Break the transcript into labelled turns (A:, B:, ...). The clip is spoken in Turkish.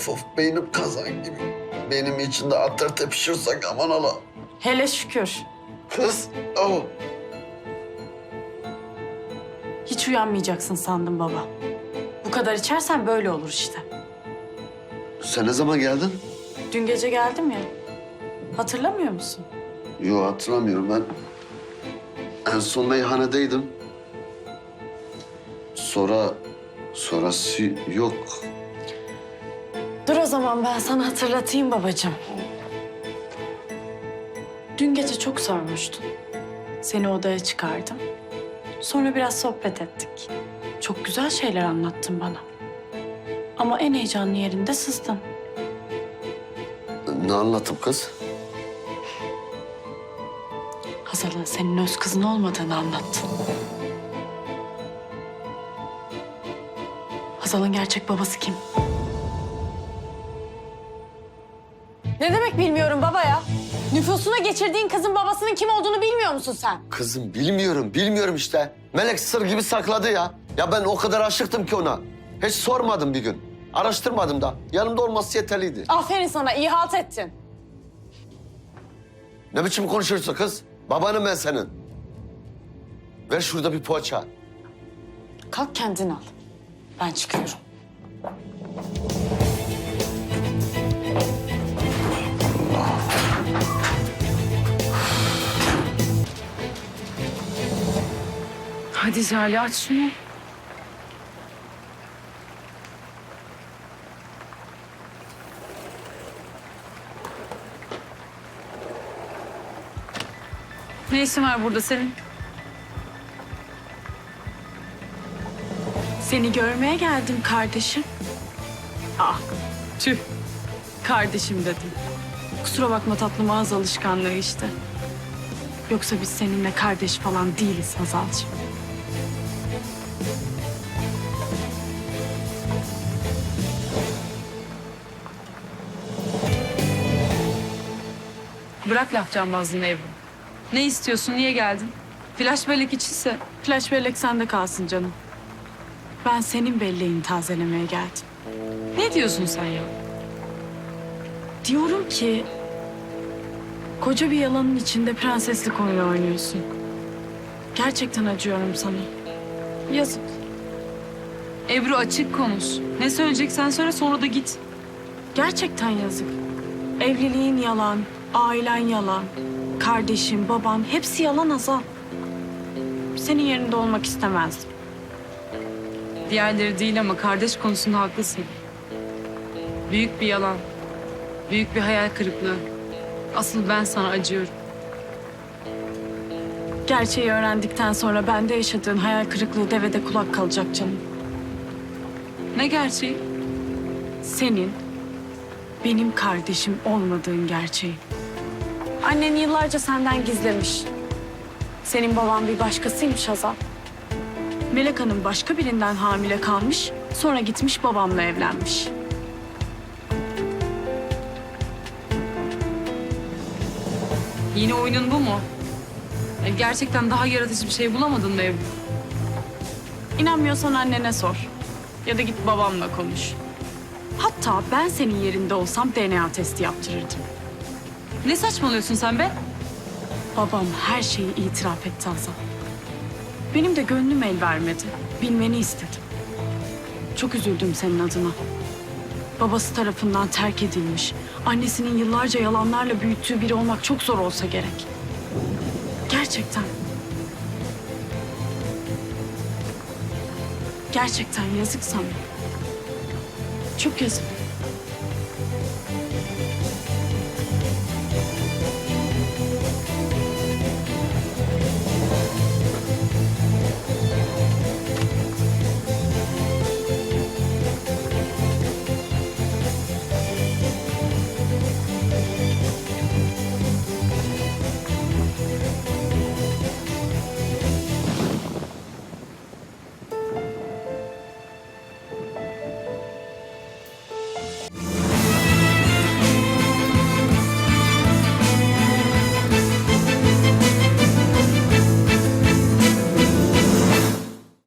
A: Of beynim kazan gibi. Benim içinde atlar tepişirsek aman ala.
B: Hele şükür.
A: Kız, oh.
B: Hiç uyanmayacaksın sandım baba. Bu kadar içersen böyle olur işte.
A: Sen ne zaman geldin?
B: Dün gece geldim ya. Hatırlamıyor musun?
A: Yo hatırlamıyorum ben. En son meyhanedeydim. Sonrası yok.
B: Dur o zaman ben sana hatırlatayım babacığım. Dün gece çok sormuştun. Seni odaya çıkardım. Sonra biraz sohbet ettik. Çok güzel şeyler anlattın bana. Ama en heyecanlı yerinde sızdın.
A: Ne anlattım kız?
B: Hazal'ın senin öz kızın olmadığını anlattın. Hazal'ın gerçek babası kim? Ne demek bilmiyorum baba ya? Nüfusuna geçirdiğin kızın babasının kim olduğunu bilmiyor musun sen?
A: Kızım bilmiyorum işte. Melek sır gibi sakladı ya. Ya ben o kadar aşıktım ki ona. Hiç sormadım bir gün. Araştırmadım da. Yanımda olması yeterliydi.
B: Aferin sana, iyi halt ettin.
A: Ne biçim konuşuyorsun kız? Babanım ben senin. Ver şurada bir poğaça.
B: Kalk kendin al. Ben çıkıyorum. Hadi Jale aç şunu.
C: Ne işin var burada senin?
B: Seni görmeye geldim kardeşim. Ah, tüh. Kardeşim dedim. Kusura bakma tatlım, ağız alışkanlığı işte. Yoksa biz seninle kardeş falan değiliz Hazalcığım.
C: Bırak laf cambazlığını Ebru. Ne istiyorsun, niye geldin? Flash bellek içinse
B: Flash bellek sende kalsın canım. Ben senin belleğini tazelemeye geldim.
C: ne diyorsun sen ya?
B: Diyorum ki... koca bir yalanın içinde prenseslik oyunu oynuyorsun. Gerçekten acıyorum sana. Yazık.
C: Ebru açık konuş. Ne söyleyeceksen söyle sonra da git.
B: Gerçekten yazık. Evliliğin yalan, ailen yalan, kardeşin, baban hepsi yalan Hazal. Senin yerinde olmak istemezdim.
C: Diğerleri değil ama kardeş konusunda haklısın. Büyük bir yalan. Büyük bir hayal kırıklığı. Asıl ben sana acıyorum.
B: Gerçeği öğrendikten sonra bende yaşadığın hayal kırıklığı devede kulak kalacak canım.
C: Ne gerçeği?
B: Senin benim kardeşim olmadığın gerçeği. Annen yıllarca senden gizlemiş. Senin baban bir başkasıymış Hazal. Melek Hanım başka birinden hamile kalmış, sonra gitmiş babamla evlenmiş.
C: Yine oyunun bu mu? Gerçekten daha yaratıcı bir şey bulamadın mı Ebru?
B: İnanmıyorsan annene sor. Ya da git babamla konuş. Hatta ben senin yerinde olsam DNA testi yaptırırdım.
C: Ne saçmalıyorsun sen be?
B: Babam her şeyi itiraf etti Hazal. Benim de gönlüm el vermedi. Bilmeni istedim. Çok üzüldüm senin adına. Babası tarafından terk edilmiş. Annesinin yıllarca yalanlarla büyüttüğü biri olmak çok zor olsa gerek. Gerçekten. Gerçekten yazık sana. Çok yazık.